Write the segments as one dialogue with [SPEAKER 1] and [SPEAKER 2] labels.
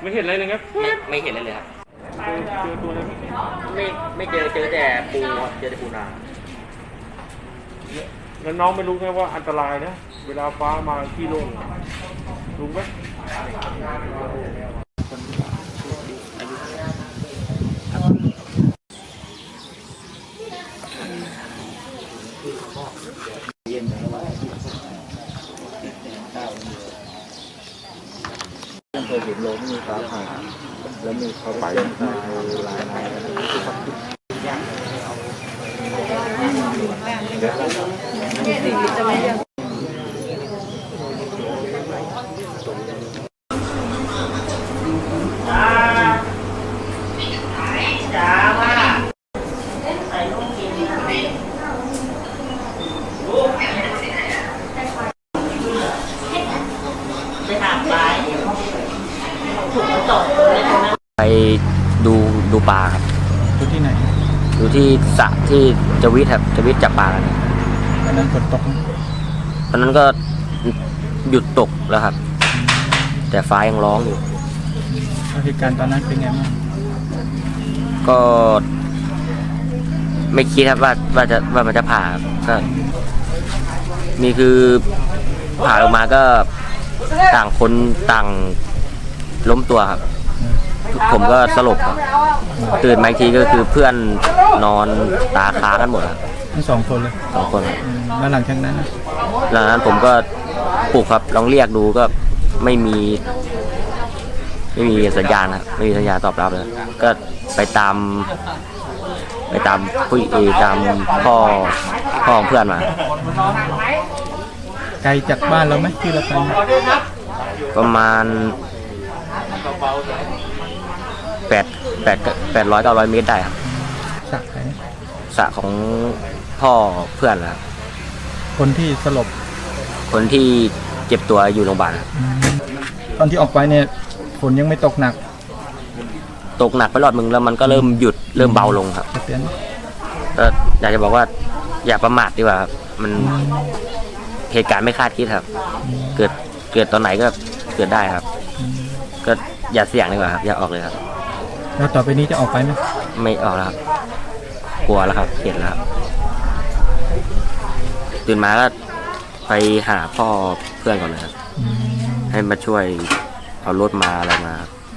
[SPEAKER 1] ไม่เห็นอะไรเลยครับ
[SPEAKER 2] ไม่เห็นเลยครับ
[SPEAKER 1] เจอตัวอะไร
[SPEAKER 2] ไม่เจอแต่ปูเจอแต่ปูนา
[SPEAKER 1] แล้วน้องไม่รู้ไงว่าอันตรายนะเวลาฟ้ามาที่โล่งรู้ไหม
[SPEAKER 3] เคยเห็นโลงมีฟ้าผ่าแล้วมีเขาไปตายลายนาย
[SPEAKER 2] ไปดูปลาครับ
[SPEAKER 3] ดูที่ไหน
[SPEAKER 2] ดูที่สระที่จวิทครับจวิทจับปลากัน
[SPEAKER 3] ตอนนั้นฝนตก
[SPEAKER 2] ตอนนั้นก็หยุดตกแล้วครับแต่ฟ้ายังร้องอยู่
[SPEAKER 3] เหตุการณ์ตอนนั้นเป็นไงบ้าง
[SPEAKER 2] ก็ไม่คิดครับว่ามันจะผ่าก็มีคือผ่าลงมาก็ต่างคนต่างล้มตัวครับผมก็สลบครับตื่นมาอีกทีก็คือเพื่อนนอนตาค้างกันหมดครับ
[SPEAKER 3] ทั้ง2 คนเลย
[SPEAKER 2] 2 คน
[SPEAKER 3] แล้วหลังจากนั้น
[SPEAKER 2] ผมก็ปลุกครับลองเรียกดูก็ไม่มีสัญญาณครับไม่มีสัญญาณตอบรับเลยก็ไปตามผู้ตามพ่อของเพื่อนมา
[SPEAKER 3] ไกลจากบ้านเราไหมที่เราไป
[SPEAKER 2] ประมาณ800-900 เมตรได้ครับสระของพ่อเพื่อนครับ
[SPEAKER 3] คนที่สลบ
[SPEAKER 2] คนที่เจ็บตัวอยู่โรงพยาบาล
[SPEAKER 3] ตอนที่ออกไปเนี่ยฝนยังไม่ตกหนัก
[SPEAKER 2] ไปรอบนึงแล้วมันก็เริ่มหยุดเริ่มเบาลงครับก็อยากจะบอกว่าอย่าประมาทดีกว่าครับมันเหตุการณ์ไม่คาดคิดครับเกิดตอนไหนก็เกิดได้ครับก็อย่าเสี่ยงดีกว่าครับอย่าออกเลยครับ
[SPEAKER 3] แล้วต่อไปนี้จะออกไปไหม
[SPEAKER 2] ไม่ออกแล้วครับกลัวแล้วครับเห็นแล้วครับตื่นมาก็ไปหาพ่อเพื่อนก่อนเลยครับให้มาช่วยเอารถมาอะไรมา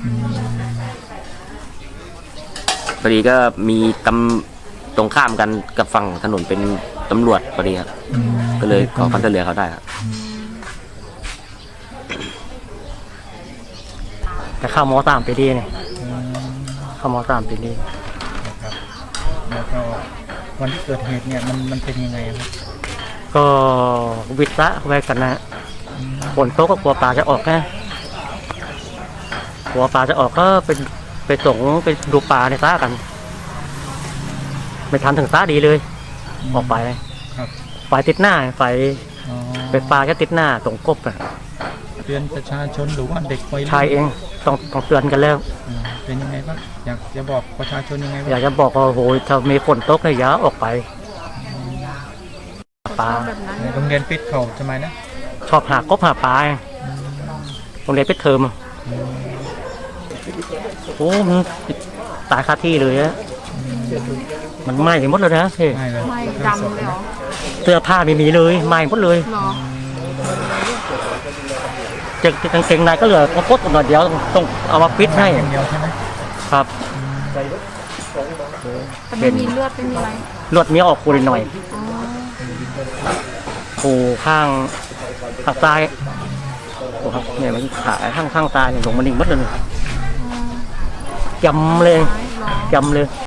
[SPEAKER 2] พอดีก็มีตรงข้ามกันกับฝั่งถนนเป็นตำรวจพอดีครับก็เลยขอความช่วยเหลือเขาได้ครับ
[SPEAKER 4] แต่เข้าม.3 ปีดีเนี่ยเข้าม.3 ปีดี
[SPEAKER 3] นะครับแล้วก็วันที่เกิดเหตุเนี่ยมันเป็นยังไงครับ
[SPEAKER 4] ก็วิทย์ละไว้กันนะฝนตกก็กลัวปลาจะออกนะกลัวปลาจะออกก็ไปส่งไปดูปลาในซ่ากันไม่ทันถึงซ่าดีเลยออกไปไฟติดหน้าไฟปลาแค่ติดหน้าตรงกบอะ
[SPEAKER 3] เตือนประชาชนหรือว่าเด็กวัยรุ่น
[SPEAKER 4] ใช่เองต้องเตือนกันแล้ว
[SPEAKER 3] เป็นยังไงบ้างอยากจะบอกประชาชนยังไงบ้าง
[SPEAKER 4] อยากจะบอกว่าโหถ้ามีฝนตกเนี่ยอย่าออกไปปลา
[SPEAKER 3] โรงเรียนปิดเขาทำไมนะ
[SPEAKER 4] ชอบหากบหาปลาโรงเรียนปิดเทอมโอ้มันตายคาที่เลยอะมันไหม้หมดเลยนะ
[SPEAKER 3] ไหม้
[SPEAKER 5] ดำเลยเหรอ
[SPEAKER 4] เสื้อผ้าไม่มีเลยไหม้หมดเลยกางเกงในก็เหลือกระโปรงหน่อยเดียวต้องเอามาปิดให้ครับ
[SPEAKER 5] แต่ไม่มีเลือดไม่มีอะไร
[SPEAKER 4] เลือดมีออกคูหน่อยคูข้างซ้ายเนี่ยมันขาข้างซ้ายลงมาดิ่งมัดเลยจำเลย